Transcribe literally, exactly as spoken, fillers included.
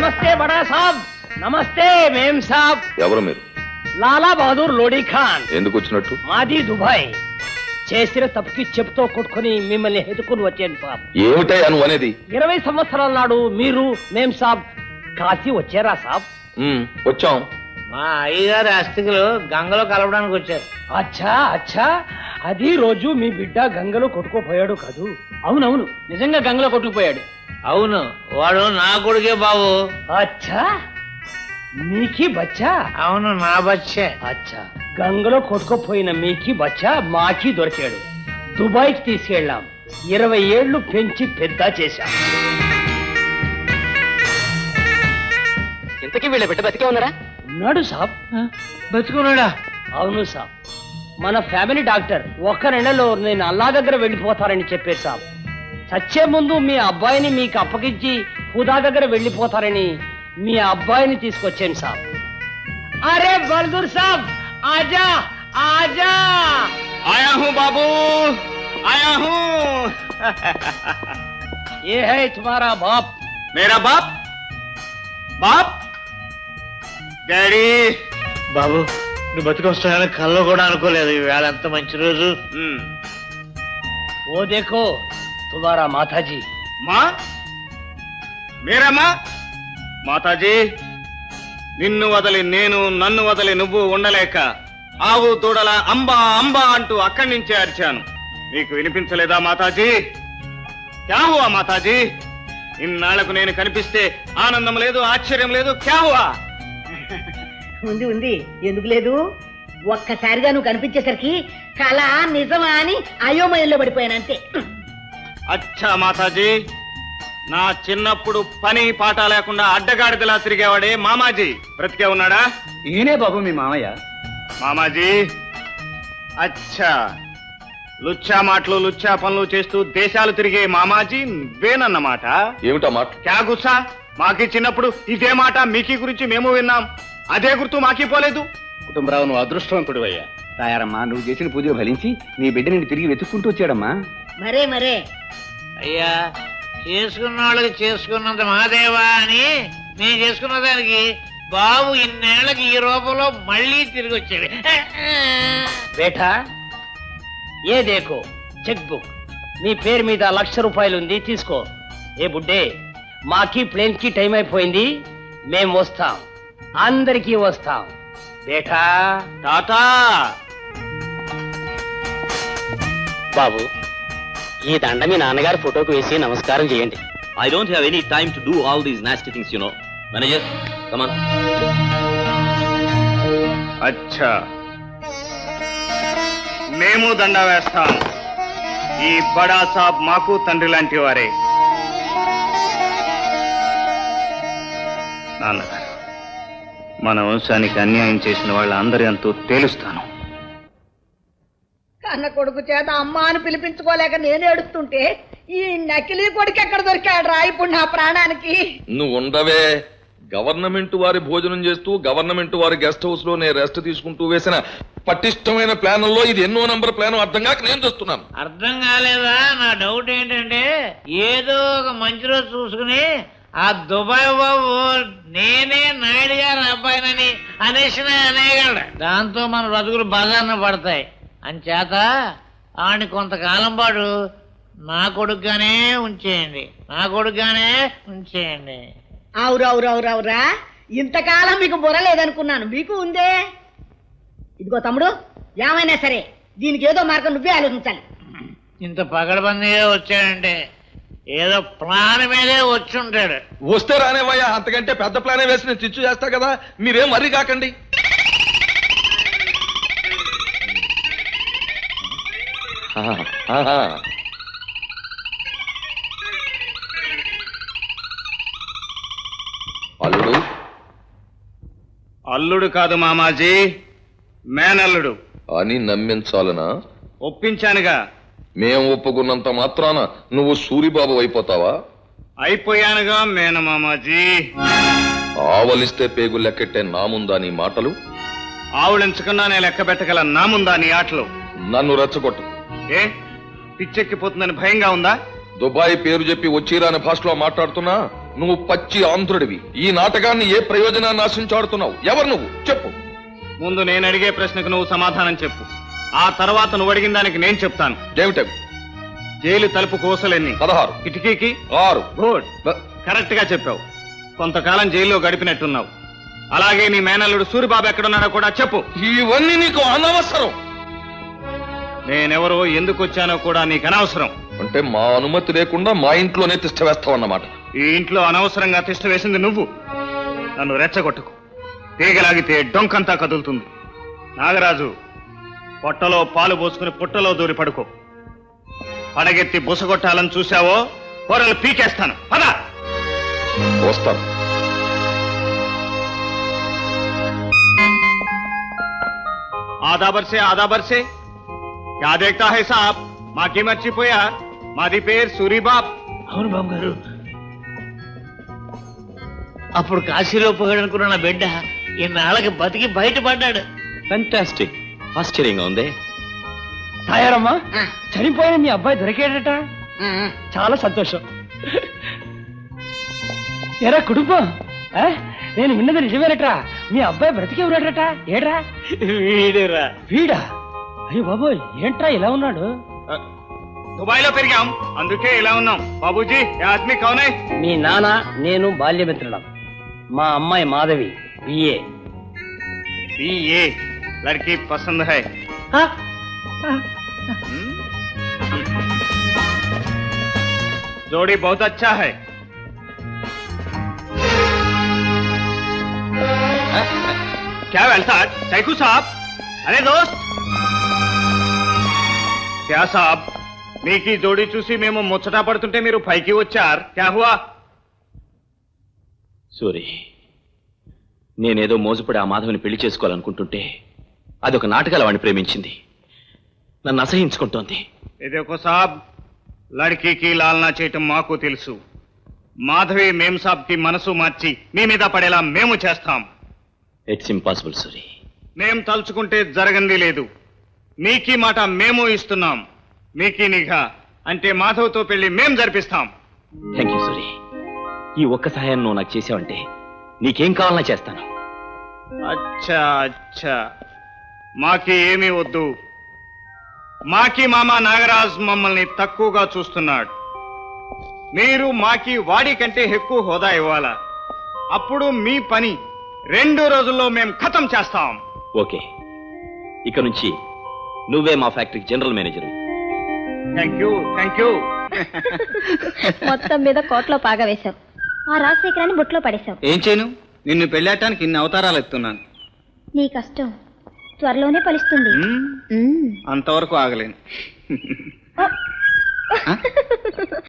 నమస్తే బడా సాబ్. నమస్తే మేం సాబ్. ఎవరు మీరు? లాలా బహదూర్ లోడీ ఖాన్. ఎందుకు వచ్చినట్టు? మాది దుబాయ్. చేసిన తప్పుకి చెప్తో కొట్టుకుని మిమ్మల్ని ఎదుకుని వచ్చాను సాబ్. ఏమిటయ్యా నువ్వు అనేది? ఇరవై సంవత్సరాల నాడు మీరు మేం సాబ్ కాశీ వచ్చారా సాబ్? ఉమ్, వచ్చాం. మా అయ్యగారి అస్థికులు గంగలో కలపడానికి వచ్చారు. అచ్చా అచ్చా, అది రోజు మీ బిడ్డ గంగలో కొట్టుకుపోయాడు కాదు? అవునవును, నిజంగా గంగలో కొట్టుకుపోయాడు. అవును, వాడు నా కొడుకే బాబు. అచ్చా, మీకి బచ్చా? అవును, నా బచ్చే. అచ్చా, గంగలో కొట్టుకుపోయిన మీకి బచ్చా మాకి దొరికాడు. దుబాయ్కి తీసుకెళ్ళాం. ఇరవై ఏళ్లు పెంచి పెద్ద చేశాం. ఇంతకీ వీళ్ళ బిడ్డ బతికే ఉన్నాడా? ఉన్నాడు సాబ్. బతుకున్నాడా? అవును సాబ్. మన ఫ్యామిలీ డాక్టర్ ఒక్క నెలలో నేను అల్లా దగ్గర వెళ్ళిపోతారని చెప్పారు సాబ్. చచ్చే ముందు మీ అబ్బాయిని మీకు అప్పగించి హుదా దగ్గర వెళ్ళిపోతారని మీ అబ్బాయిని తీసుకొచ్చాను సాబ్. అరే బల్దూర్ సాబ్, ఆజా ఆజా. ఆయా హూ బాబూ, ఆయా హూ. ఏ హై తుమారా బాప్? మేరా బాప్? బాప్ డాడీ. బాబు, నువ్వు బతుకొస్తానని కల్లో కూడా అనుకోలేదు. ఈవేళ ఎంత మంచి రోజు. ఓ దేఖో తుమారా మాతాజీ. మా మేరా మా? మాతాజీ, నిన్ను వదలి నేను, నన్ను వదలి నువ్వు ఉండలేక ఆవు దూడల అంబా అంబా అంటూ అక్కడి నుంచే అరిచాను. నీకు వినిపించలేదా మాతాజీ? క్యా హువా మాతాజీ? ఇన్నాళ్లకు నేను కనిపిస్తే ఆనందం లేదు, ఆశ్చర్యం లేదు. క్యా హువా? ఉంది ఉంది, ఎందుకు లేదు? ఒక్కసారిగా నువ్వు కనిపించేసరికి కళ నిజమా అని అయోమయంలో పడిపోయానంతే. అచ్చా మాతాజీ, నా చిన్నప్పుడు పని పాట లేకుండా అడ్డగాడిదలా తిరిగేవాడే మామాజీ బ్రతికే ఉన్నాడా? ఈయనే బాబు మీ మామయ్య. మామాజీ, అచ్చా, లుచ్చా మాటలు లుచ్చా పనులు చేస్తూ దేశాలు తిరిగే మామాజీ వేనన్నమాట. ఏమిటా మాట? క్యా గుస్సా? మాకి చిన్నప్పుడు ఇదే మాట మీకీ గురించి మేము విన్నాం. అదే గుర్తు మాకీ పోలేదు. కుటుంబరావు, నువ్వు అదృష్టవంతుడు అయ్యా. తాయారమ్మా, నువ్వు చేసిన పూజ ఫలించి నీ బిడ్డ నేను తిరిగి వెతుక్కుంటూ వచ్చాడమ్మా. మరే మరే అయ్యా, చేసుకున్న వాళ్ళకి చేసుకున్నంత మహాదేవా అని నేను చేసుకున్న దానికి బాబు ఇన్నేళ్లకి ఈ రూపంలో మళ్ళీ తిరిగి వచ్చాడు. బేటా, ఏ దేకో చెక్ బుక్. మీ పేరు మీద లక్ష రూపాయలు ఉంది, తీసుకో. ఏ బుడ్డే, మాకి ప్లేన్ కి టైం అయిపోయింది. మేం వస్తాం, అందరికీ వస్తాం. బేటా టాటా. బాబు, ఈ దండ మీ నాన్నగారి ఫోటోకు వేసి నమస్కారం చేయండి. I don't have any time to do all these nasty things, you know. Manager, come on. అచ్చా, మేము దండ వేస్తాం. ఈ బడా సాబ్ మాకు తండ్రి లాంటి వారే. నాన్నగారు, మన వంశానికి అన్యాయం చేసిన వాళ్ళందరి అంతూ తేలుస్తాను. కన్న కొడుకు చేత అమ్మ అని పిలిపించుకోలేక నేను ఏడుస్తుంటే ఈ నకిలీ కొడుకు ఎక్కడ దొరికాడు రా ఇప్పుడు నా ప్రాణానికి? నువ్వు ఉండవే. గవర్నమెంట్ వారి భోజనం చేస్తూ గవర్నమెంట్ వారి గెస్ట్ హౌస్ లో నేను రెస్ట్ తీసుకుంటూ వేసిన పటిష్టమైన ప్లాన్లో ఇది ఎన్నో నంబర్ ప్లాన్ అర్థం కాక నేను చూస్తున్నాను. అర్థం కాలేదా? నా డౌట్ ఏంటంటే ఏదో ఒక మంచి రోజు చూసుకుని ఆ దుబాయ్ బాబు నేనే నాయుడు గారి అబ్బాయినని అనేసిన అనేయగలడు. దాంతో మన బతుకులు బజార్న పడతాయి. అంచేత ఆడిని కొంతకాలం పాటు నా కొడుకుగానే ఉంచేయండి, నా కొడుకుగానే ఉంచేయండి. అవురవురవురవురా, ఇంతకాలం మీకు బుర్ర లేదనుకున్నాను, మీకు ఉందే. ఇదిగో తమ్ముడు, ఏమైనా సరే దీనికి ఏదో మార్గం నువ్వే ఆలోచించాలి. ఇంత పగడబందిగా వచ్చాడంటే ఏదో ప్లాన్ మీదే వచ్చి ఉంటాడు. వస్తే రానేవయ్యా, అంతకంటే పెద్ద ప్లానే వేసి నేను చిచ్చు చేస్తా కదా, మీరేం మరీ కాకండి. అల్లుడు? అల్లుడు కాదు మామాజీ, మేనల్లుడు అని నమ్మించాలనా? ఒప్పించానుగా. మేం ఒప్పుకున్నంత మాత్రాన నువ్వు సూరిబాబు అయిపోతావా? అయిపోయానుగా మేనమామాజీ. ఆవలిస్తే పేగు లెక్కెట్టే నా ముందా నీ మాటలు? ఆవులించకుండా నేను లెక్క పెట్టగల నా ముందా నీ ఆటలు? నన్ను రెచ్చగొట్టు. ఏ పిచ్చెక్కిపోతుందని భయంగా ఉందా? దుబాయ్ పేరు చెప్పి వచ్చిరాని భాషలో మాట్లాడుతున్నా నువ్వు పచ్చి ఆంధ్రుడివి. ఈ నాటకాన్ని ఏ ప్రయోజనాన్ని ఆశించాడుతున్నావు? ఎవరు నువ్వు? చెప్పు. ముందు నేను అడిగే ప్రశ్నకు నువ్వు సమాధానం చెప్పు. ఆ తర్వాత నువ్వు అడిగిన దానికి నేను చెప్తాను. ఏమిటవి? జైలు తలుపు కోసలెన్ని? పదహారు. కిటికీకి ఆరు. గుడ్, బ- కరెక్ట్ గా చెప్పావు. కొంతకాలం జైల్లో గడిపినట్టున్నావు. అలాగే నీ మేనల్లుడు సూరిబాబు ఎక్కడున్నాడో కూడా చెప్పు. ఇవన్నీ నీకు అనవసరం. నేనెవరో ఎందుకు వచ్చానో కూడా నీకు అనవసరం. అంటే మా అనుమతి లేకుండా మా ఇంట్లోనే తిష్ట వేస్తావన్నమాట. ఈ ఇంట్లో అనవసరంగా తిష్ట వేసింది నువ్వు. నన్ను రెచ్చగొట్టుకు. తీగలాగితే డొంకంతా కదులుతుంది. నాగరాజు, పొట్టలో పాలు పోసుకుని పుట్టలో దూరి పడుకో. పడగెత్తి బుసగొట్టాలని చూశావో కూరలు పీకేస్తాను. పద. వస్తాను. आधा बरसे आधा बरसे क्या देखता है साहब? మాకి మర్చిపోయా? మాది పేరు సూరిబాబ్. అవును బాబు గారు. అప్పుడు కాశీలో పోయాడనుకున్న నా బిడ్డ ఇన్నాళ్ళకి బతికి బయటపడ్డాడు. ఫ్యాంటాస్టిక్. ఆశ్చర్యంగా ఉంది. తాయారమ్మా, చనిపోయిన మీ అబ్బాయి దొరికాడట. చాలా సంతోషం. ఎరా కుటుంబం, ఆ? నేను విన్నది నిజమేనట్రా? మీ అబ్బాయి బ్రతికే ఉన్నాడట. ఏడ్రా? వీడురా. వీడా? అయ్యో బాబోయ్, ఏంట్రా ఇలా ఉన్నాడు? దుబాయ్ లో పెరిగాం, అందుకే ఇలా ఉన్నాం. బాబూజీ, ఏ ఆద్మీ కౌన్ హై? మీ నాన్న నేను బాల్యమిత్రులం. మా అమ్మాయి మాధవి బిఏ. ये लड़की पसंद है. जोड़ी बहुत अच्छा है. क्या वेलसाद? सैकू साहब, अरे दोस्त. क्या साहब, మీకీ జోడీ చూసి మేము ముచ్చట పడుతుంటే మీరు పైకి వచ్చారు. క్యా హువా? సూరి, నేనేదో మోజుపడి ఆ మాధవిని పెళ్లి చేసుకోవాలనుకుంటుంటే అదొక నాటకాల వాడిని ప్రేమించింది. నన్ను అసహించుకుంటోంది. ఇదేకో సాబ్, లడ్కీకి లాలనా చేయటం మాకు తెలుసు. మాధవి మేం సాబ్ కి మనసు మార్చి మీ మీద పడేలా మేము చేస్తాం. It's impossible Suri. మేం తలుచుకుంటే జరగంది లేదు. మీకీ మాట మేము ఇస్తున్నాం. మీకీ నిఘా అంటే మాధవ్తో పెళ్లి మేం జరిపిస్తాం. Thank you Suri. ఈ ఒక్క సహాయం నువ్వు నాకు చేసావంటే నీకేం కావాలన్నా చేస్తాను. అచ్చా అచ్చా, మాకి ఏమీ వద్దు. మాకి మామ నాగరాజ్ మమ్మల్ని తక్కువగా చూస్తున్నాడు. మీరు మాకి వాడి కంటే ఎక్కువ హోదా ఇవ్వాలా? అప్పుడు మీ పని రెండు రోజుల్లో మేం ఖతం చేస్తాం. ఓకే, ఇక నుంచి నువ్వే మా ఫ్యాక్టరీకి general manager. Thank you thank you. మొత్తం మీద కోట్లో పాగా వేశావు. ఆ రాజశేఖరాన్ని బుట్లో పడేశావు. ఏం చేయను? నిన్ను పెళ్ళాటానికి ఇన్ని అవతారాలు ఎత్తున్నాను. నీ కష్టం త్వరలోనే ఫలిస్తుంది. అంతవరకు ఆగలేను.